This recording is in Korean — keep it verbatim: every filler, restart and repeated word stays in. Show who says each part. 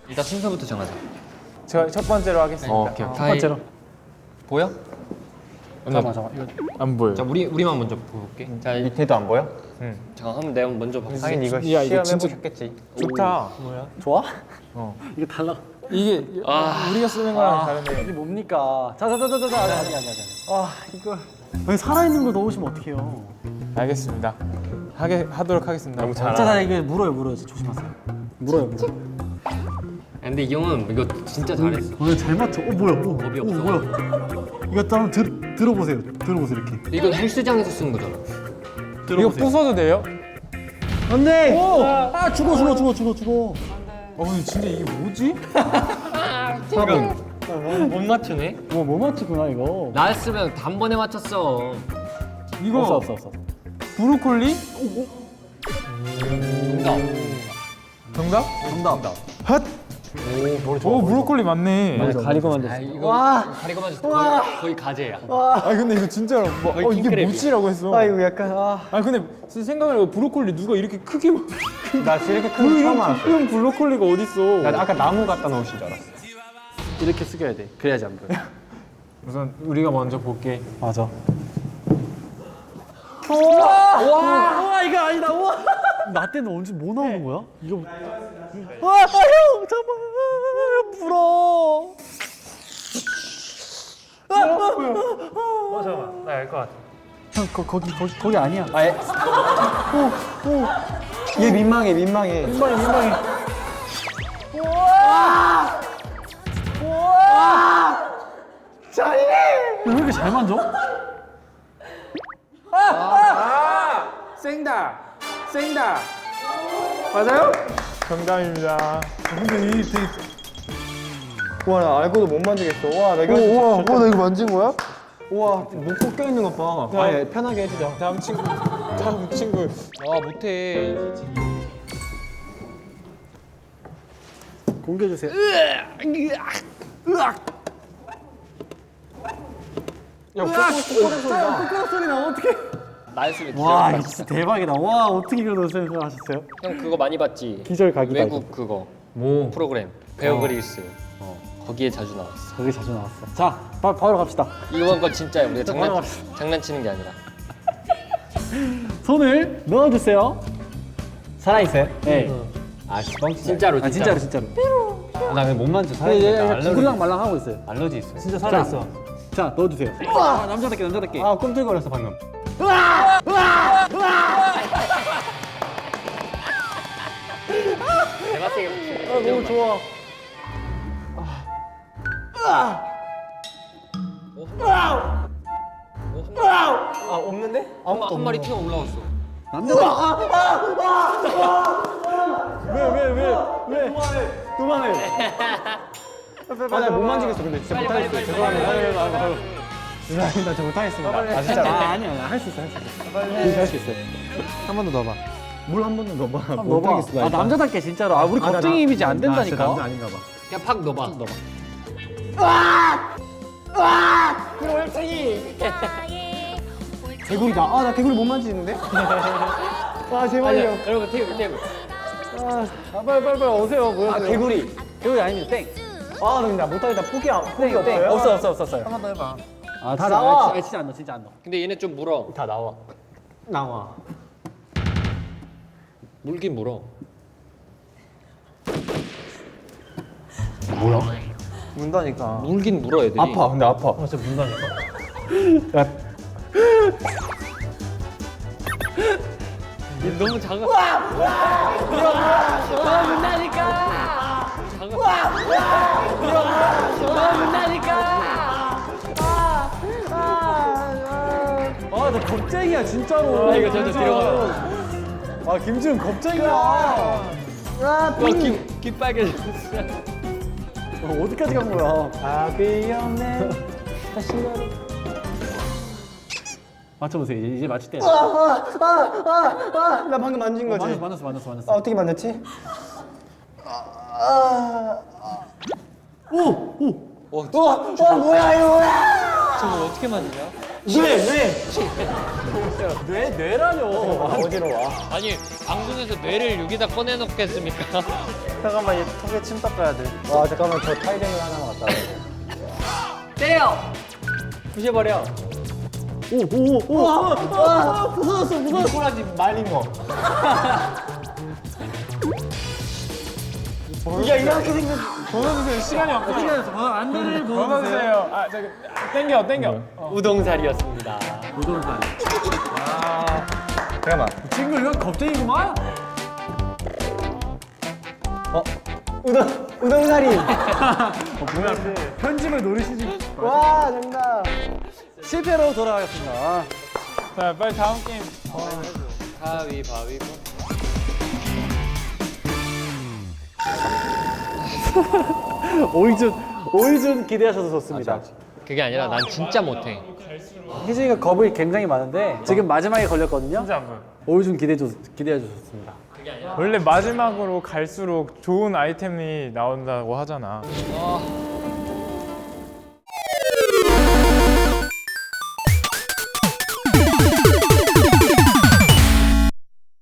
Speaker 1: 일단 순서부터 정하자.
Speaker 2: 제가 첫 번째로 하겠습니다.
Speaker 1: 어, 오케이.
Speaker 2: 첫
Speaker 1: 다이-
Speaker 2: 번째로.
Speaker 1: 보여?
Speaker 2: 잠깐만 잠깐만. 이거 안 보여.
Speaker 1: 자, 우리 우리만 먼저 볼게. 자, 이-
Speaker 3: 밑에도 안 보여?
Speaker 1: 자, 한번 내가 먼저 봐.
Speaker 3: 하긴 이거
Speaker 2: 야, 이거
Speaker 3: 시험해
Speaker 2: 진짜-
Speaker 3: 보셨겠지.
Speaker 2: 좋다. 뭐야?
Speaker 4: 좋아?
Speaker 2: 어.
Speaker 4: 이게 달라.
Speaker 2: 이게
Speaker 1: 아.
Speaker 2: 우리가 쓰는 거랑 다르네.
Speaker 4: 이게 뭡니까? 자자자자자 아니 아니 아니 아니. 아 이걸 왜 살아있는 걸 넣으시면 어떡해요?
Speaker 2: 알겠습니다. 하게 하도록 하겠습니다.
Speaker 3: 너무
Speaker 4: 자,
Speaker 3: 잘.
Speaker 4: 자 이거 물어요 물어요. 조심하세요. 물어요 물어.
Speaker 1: 근데 이 형은 이거 진짜 잘했어.
Speaker 4: 오늘 잘 맞춰. 어 뭐야? 오,
Speaker 1: 겁이
Speaker 4: 오
Speaker 1: 없어.
Speaker 4: 뭐야? 이거 한번 들 들어보세요. 들어보세요 이렇게.
Speaker 1: 이건 헬스장에서 쓰는 거잖아.
Speaker 2: 이거 부숴도 돼요?
Speaker 4: 안돼. 아 죽어 죽어 죽어 죽어 죽어.
Speaker 2: 어 근데 진짜 이게 뭐지?
Speaker 1: 못 맞추네?
Speaker 4: 뭐뭐 맞추구나 이거.
Speaker 1: 나였으면 단번에 맞췄어.
Speaker 2: 이거
Speaker 4: 없어 없어 없어.
Speaker 2: 브로콜리?
Speaker 1: 정답.
Speaker 2: 정답?
Speaker 4: 정답.
Speaker 2: 핫! 오 브로콜리 맞네.
Speaker 4: 맞아 가리고 만졌어.
Speaker 1: 아, 이거 가리고 맞았어. 거의, 거의 가제야.
Speaker 2: 아 근데 이거 진짜로 뭐,
Speaker 1: 거의
Speaker 2: 어 이게
Speaker 1: 킹크랩이야.
Speaker 2: 뭐지라고 했어.
Speaker 3: 아 이거 약간 아.
Speaker 2: 아 근데 생각을 해보면 브로콜리 누가 이렇게 크게 뭐-
Speaker 3: 나 이렇게 큰 거 처음 알았어.
Speaker 2: 큰 브로콜리가 어딨어.
Speaker 3: 나 아까 나무 갖다 놓으신 줄 알았어.
Speaker 4: 이렇게 숙여야 돼. 그래야지 안 보여.
Speaker 2: 우선 우리가 먼저 볼게.
Speaker 4: 맞아. 우와! 우와! 우와 이거 아니다. 우와! 나 때는 언제 뭐 나오는 거야? 이거. 와, 형 잠깐만. 아, 불어.
Speaker 2: 어 잠깐만 나 알 것 같아.
Speaker 4: 형 거, 거기 거기 거기 아니야.
Speaker 3: 아예. 얘 민망해 민망해.
Speaker 4: 민망해 민망해. 왜 이렇게 잘 만져?
Speaker 2: 생다 생다 맞아요? 정답입니다.
Speaker 4: 근데 이 되게
Speaker 3: 와 나 알고도 못 만지겠어. 와 내가. 우와 우와 나 이거 만진 거야? 우와 목 꺾여 있는 것 봐. 아예 편하게 해주자.
Speaker 2: 다음 친구 다음 친구.
Speaker 1: 아, 못해.
Speaker 4: 공개해 주세요.
Speaker 3: 야 코코넛 소리다.
Speaker 4: 코코넛 소리 나 어떡해?
Speaker 1: 나였으면
Speaker 4: 와
Speaker 1: 기절.
Speaker 4: 이거 진짜 대박이다. 와 어떻게 그런 생각하셨어요?
Speaker 1: 형 그거 많이 봤지?
Speaker 4: 기절 각이다.
Speaker 1: 외국 그거
Speaker 3: 뭐?
Speaker 1: 프로그램 베어 그릴스. 거기에 자주 나왔어.
Speaker 4: 거기 자주 나왔어. 자 바, 바로 갑시다.
Speaker 1: 이번 건 진짜야. 우리가 장난
Speaker 4: 넘어갑시다.
Speaker 1: 장난치는 게 아니라.
Speaker 4: 손을 넣어주세요. 살아 있어요? 네.
Speaker 3: 아 뻥
Speaker 1: 진짜로
Speaker 4: 아 진짜로 진짜로.
Speaker 3: 나 근데 못 만져.
Speaker 4: 네, 네, 네, 둥그랑 말랑 하고 있어요.
Speaker 3: 알러지 있어.
Speaker 4: 진짜 살아 있어. 자 넣어주세요. 아, 남자답게 남자답게.
Speaker 3: 아 꿈틀거렸어 방금.
Speaker 1: 내가 세게
Speaker 4: 아, 너무 좋아.
Speaker 3: 아 없는데?
Speaker 1: 한, 한 마리 튀어 올라왔어.
Speaker 4: 남자답게. 왜왜 왜 왜? 그만해.
Speaker 3: 아나 못 만지겠어. 근데 진짜
Speaker 1: 빨리,
Speaker 3: 못하겠어.
Speaker 1: 빨리, 빨리,
Speaker 3: 죄송합니다.
Speaker 1: 빨리,
Speaker 3: 아유, 아유, 아유. 죄송합니다. 저 못하겠습니다. 아 진짜.
Speaker 4: 아 아니야 할 수 있어 할 수 있어. 할 수 있어.
Speaker 3: 한 번 더 넣어봐. 물 한 번 더 넣어봐.
Speaker 4: 한번 넣어봐. 아 남자답게 진짜로. 아 우리
Speaker 3: 아, 나-
Speaker 4: 겁쟁이 이미지 안
Speaker 3: 나 진짜
Speaker 4: 된다니까.
Speaker 3: 남자 아닌가 봐.
Speaker 1: 그냥 팍 넣어봐.
Speaker 4: 넣어봐.
Speaker 3: 개구리다. 아 나 개구리 못 만지는데? 아
Speaker 1: 아니야,
Speaker 3: 제발요.
Speaker 1: 여러분 테이블 테이블.
Speaker 3: 아 빨리 빨리 빨리 오세요. 보여주세요.
Speaker 4: 아 개구리. 개구리 아닙니다. 땡.
Speaker 3: 아 근데 나 못하겠다. 포기 안 포기
Speaker 4: 땡, 땡.
Speaker 3: 없어요?
Speaker 4: 없어 없어 없었어요.
Speaker 3: 한 번 더 해봐.
Speaker 4: 아
Speaker 3: 다
Speaker 4: 진짜,
Speaker 3: 나와.
Speaker 4: 아, 진짜 안 넣어 진짜 안 넣어.
Speaker 1: 근데 얘네 좀 물어.
Speaker 3: 다 나와. 나와.
Speaker 1: 물긴 물어.
Speaker 3: 문다니까.
Speaker 1: 물긴 물어 애들이.
Speaker 3: 아파. 근데 아파.
Speaker 4: 아 진짜 문다니까.
Speaker 3: 야
Speaker 1: 너무 작아.
Speaker 4: 아나 겁쟁이야 진짜로.
Speaker 1: 아, 이거 저도
Speaker 4: 진짜로. 아 김지훈 겁쟁이야.
Speaker 1: 와, 귀, 귀 빨개졌어.
Speaker 4: 어, 어디까지 간 거야?
Speaker 3: 답이 없네. 다시 말해.
Speaker 4: 맞춰보세요. 이제, 이제 맞출 때.
Speaker 3: 나 방금 만진 거지.
Speaker 4: 만났어 만났어 만났어
Speaker 3: 아
Speaker 4: 만났어.
Speaker 3: 어떻게 만졌지?
Speaker 4: 오 오.
Speaker 3: 와, 와 뭐야 이거 뭐야?
Speaker 1: 저거 어떻게 만드냐?
Speaker 3: 뇌, 뇌.
Speaker 4: 뇌 뇌라뇨.
Speaker 3: 어지러워.
Speaker 1: 아니 방송에서 뇌를 여기다 꺼내놓겠습니까?
Speaker 4: 잠깐만 얘 턱에 침 닦아야 돼.
Speaker 3: 와, 잠깐만, 저 타이레놀 하나만 갖다 줘.
Speaker 1: 때려.
Speaker 3: 부셔버려.
Speaker 4: 오오오. 아, 아, 부서졌어 부서졌어.
Speaker 3: 꼬라지 말린 거. 이게 이렇게 생겼.
Speaker 2: 벗어주세요. 시간이 없어요.
Speaker 4: 안대를
Speaker 2: 벗어주세요. 아, 저기 땡겨, 땡겨. 어.
Speaker 1: 우동살이었습니다.
Speaker 4: 우동살.
Speaker 3: 잠깐만.
Speaker 4: 친구 이건 겁쟁이구만.
Speaker 3: 어? 우동, 우동사리.
Speaker 4: 편집을 노리시지.
Speaker 3: 와, 정답.
Speaker 4: 실패로 돌아가겠습니다.
Speaker 2: 자, 빨리 다음 게임.
Speaker 1: 가위바위보.
Speaker 4: 오이준 오이준 기대하셔도 좋습니다.
Speaker 1: 그게 아니라 난 진짜 못해.
Speaker 4: 희준이가 겁이 굉장히 많은데 지금 마지막에 걸렸거든요.
Speaker 2: 진짜 안 보여.
Speaker 4: 오이준 기대 기대해 주셨습니다.
Speaker 2: 원래 마지막으로 갈수록 좋은 아이템이 나온다고 하잖아.
Speaker 1: 아